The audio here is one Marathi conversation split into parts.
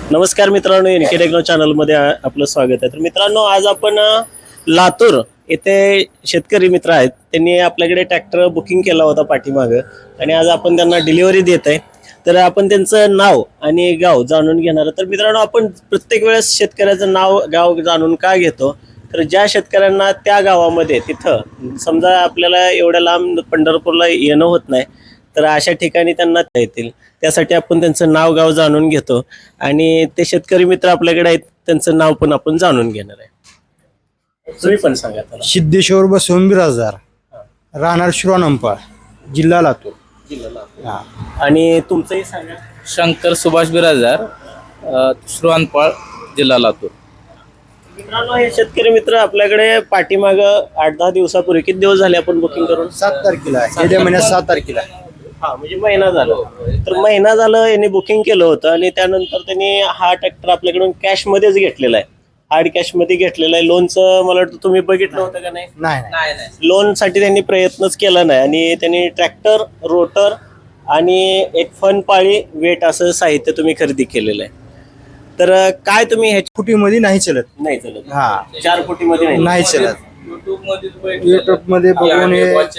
नमस्कार मित्रांनो, एनके टेक्नो चॅनलमध्ये आपलं स्वागत आहे. तर मित्रांनो, आज आपण लातूर येथे शेतकरी मित्र आहेत. त्यांनी आपल्याकडे ट्रॅक्टर बुकिंग केला होता पाठीमागं आणि आज आपण त्यांना डिलिव्हरी देत आहे. तर आपण त्यांचं नाव आणि गाव जाणून घेणार. तर मित्रांनो, आपण प्रत्येक वेळेस शेतकऱ्याचं नाव गाव जाणून का घेतो, तर ज्या शेतकऱ्यांना त्या गावामध्ये तिथं समजा आपल्याला एवढ्या लांब पंढरपूरला येणं होत नाही, तर अशा ठिकाणी त्यांना येतील. त्यासाठी आपण त्यांचं नाव गाव जाणून घेतो आणि ते शेतकरी मित्र आपल्याकडे आहेत, त्यांचं नाव पण आपण जाणून घेणार आहे. तुम्ही पण सांगा त्याला. सिद्धेश्वर बसवून बिराजदार, राहणार शिरोनंपाळ, जिल्हा लातूर. हा. आणि तुमचंही सांगा. शंकर सुभाष बिराजदार, श्रुवानपाळ, जिल्हा लातूर. मित्रांनो, हे शेतकरी मित्र आपल्याकडे पाठीमाग 8-10 दिवसापूर्वी, किती दिवस झाले आपण बुकिंग करून? 7 तारखेला येत्या महिन्यात 7 तारखेला. हा, म्हणजे महिना झाला. तर महिना झालं यांनी बुकिंग केलं होतं आणि त्यानंतर त्यांनी हा ट्रॅक्टर आपल्याकडून कॅश मध्येच घेतलेला आहे. हार्ड कॅश मध्ये घेतलेला आहे. लोनचं मला वाटतं तुम्ही बघितलं होतं का नाही? नाही. लोन साठी त्यांनी प्रयत्नच केला नाही आणि त्यांनी ट्रॅक्टर, रोटर आणि एक फन पाळी वेट असं साहित्य तुम्ही खरेदी केलेलं आहे. तर काय तुम्ही ह्याच्या फुटीमध्ये नाही चलत. नाही चालत? हा, 4 फुटीमध्ये नाही चलत. युट्यूब मध्ये बघून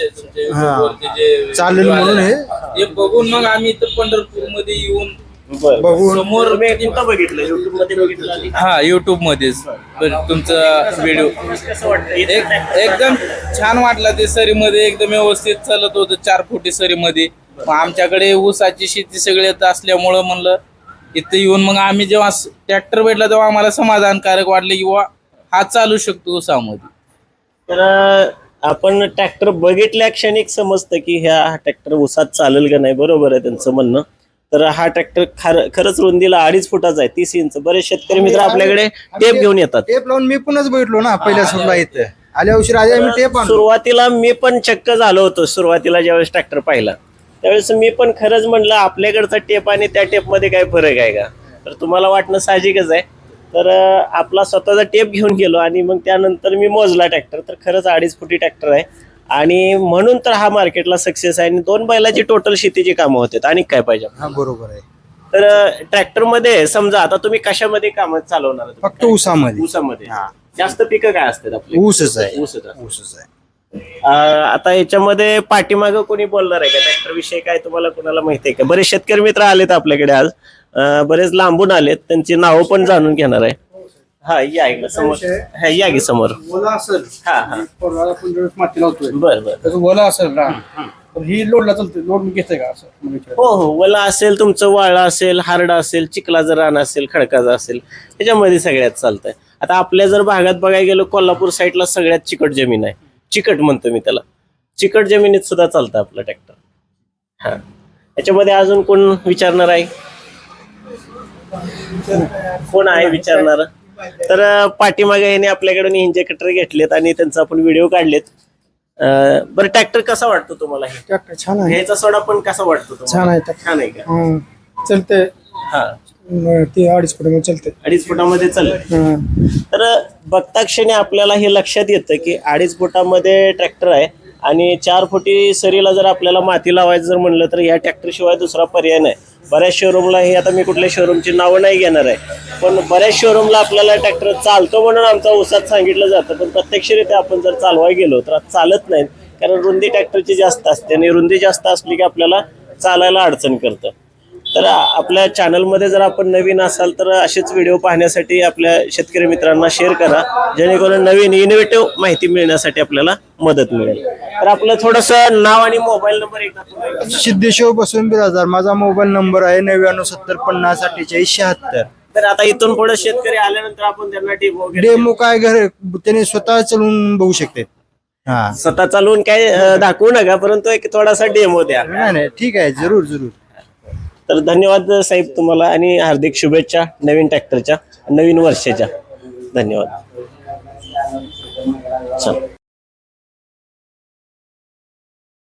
चालेल म्हणून हे बघून मग आम्ही इथं पंढरपूर मध्ये येऊन बघून समोर कुठं बघितलं? युट्यूब मध्ये बघितलं आधी? हा, युट्यूब मध्येच तुमचा व्हिडिओ कसं वाटतं? एकदम छान वाटला. ते सरीमध्ये एकदम व्यवस्थित चालत होतं, 4 फुटी सरीमध्ये. मग आमच्याकडे ऊसाची शेती सगळ्यात असल्यामुळं म्हणलं इथं येऊन मग आम्ही जेव्हा ट्रॅक्टर भेटला तेव्हा आम्हाला समाधानकारक वाटले की वा हा चालू शकतो ऊसामध्ये. तर आपण ट्रॅक्टर बघितल्या क्षणिक समजतं की ह्या ट्रॅक्टर ऊसात चालेल का नाही. बरोबर आहे त्यांचं म्हणणं. तर हा ट्रॅक्टर खरंच रुंदीला 2.5 फुटाचा आहे, 30 इंच. बरेच शेतकरी मित्र आपल्याकडे टेप घेऊन येतात. टेप लावून मी पुन्हाच बघितलो ना पहिल्या सुरुला इथं आल्या उशीर आधी आम्ही टेप आणलो. सुरुवातीला मी पण चक्क झालो होतो. सुरुवातीला ज्यावेळेस ट्रॅक्टर पाहिला त्यावेळेस मी पण खरंच म्हणलं आपल्याकडचा टेप आणि त्या टेप मध्ये काय फरक आहे का. तर तुम्हाला वाटणं साहजिकच आहे. तर आपला स्वतःचा टेप घेऊन गेलो आणि मग त्यानंतर मी मोजला ट्रॅक्टर. तर खरंच 2.5 फुटी ट्रॅक्टर आहे आणि म्हणून तर हा मार्केटला सक्सेस आहे. आणि 2 बैलाची टोटल शेतीची कामं होतात. आणि काय पाहिजे. हा, बरोबर आहे. तर ट्रॅक्टर मध्ये समजा आता तुम्ही कशामध्ये काम चालवणार? फक्त ऊसामध्ये. ऊसामध्ये. जास्त पिकं काय असतात आपली? ऊसच आहे. ऊसच आहे. ऊसच आहे. आता याच्यामध्ये पाठीमागं कोणी बोलणार आहे का ट्रॅक्टर विषयी? काय तुम्हाला कोणाला माहिती आहे का? बरेच शेतकरी मित्र आलेत आपल्याकडे आज, बरेच लांबून आलेत. त्यांची नावं पण जाणून घेणार आहे. हा, या इकडे समोर. हा, या की समोर. ओला असेल, हा हा, आपण माती लावतोय, बर बर. त्याचं ओला असेल ना, तर ही लोडला चालते. लोड घेते का असं म्हणजे? हो हो, वला असेल तुमचं, वाळा असेल, हारडा असेल, चिखलाचं रान असेल, खडकाचं असेल, त्याच्यामध्ये सगळ्यात चालतंय. आता आपल्या जर भागात बघायला गेलो, कोल्हापूर साईडला सगळ्यात चिकट जमीन आहे. चिकट म्हणतो मी त्याला. चिकट जमिनीत सुद्धा चालतं आपलं ट्रॅक्टर. हा, याच्यामध्ये अजून कोण विचारणार आहे? कोण आहे विचारणार? तर पाठीमागे याने आपल्याकडून इंजेक्टर घेतलेत आणि त्यांचा आपण व्हिडिओ काढलेत. बरं, ट्रॅक्टर कसा वाटतो तुम्हाला? हे ट्रॅक्टर छान आहे. ह्याचा सोडा पण कसा वाटतो तुम्हाला? छान आहे ट्रॅक्टर. छान आहे का? चलते. हा, ते 2.5 फुटामध्ये चलते. 2.5 फुटामध्ये चालतं. तर बघता क्षणी आपल्याला हे लक्षात येतं की 2.5 फुटामध्ये ट्रॅक्टर आहे आणि 4 फुटी सरीला जर आपल्याला माती लावायचं जर म्हणलं तर ह्या ट्रॅक्टर शिवाय दुसरा पर्याय नाही. बऱ्याच शोरूमला, हे आता मी कुठल्या शोरूमची नावं नाही घेणार आहे, पण बऱ्याच शोरूमला आपल्याला ट्रॅक्टर चालतो म्हणून आमचा ऊसात सांगितलं जातं, पण प्रत्यक्षरित्या आपण जर चालवाय गेलो तर चालत नाही. कारण रुंदी ट्रॅक्टरची जास्त असते आणि रुंदी जास्त असली की आपल्याला चालायला अडचण करतं. तर आपल्या चॅनलमध्ये जर आपण नवीन असाल तर असेच व्हिडिओ पाहण्यासाठी आपल्या शेतकरी मित्रांना शेअर करा, जेणेकरून नवीन इनोव्हेटिव्ह माहिती मिळण्यासाठी आपल्याला मदत मिळेल. तर आपलं थोडंसं नाव आणि मोबाईल नंबर एकदा. सिद्धेश्वर बसवून बिराजदार. माझा मोबाईल नंबर आहे 9970504876. तर आता इथून पुढे शेतकरी आल्यानंतर आपण त्यांना डेमो काय घर त्याने स्वतः चालून बघू शकते. हा, स्वतः चालवून काय दाखवू नका, परंतु एक थोडासा डेमो द्या. नाही, ठीक आहे, जरूर. तर धन्यवाद साहेब तुम्हाला आणि हार्दिक शुभेच्छा नवीन ट्रॅक्टरच्या, नवीन वर्षाच्या. धन्यवाद. चल.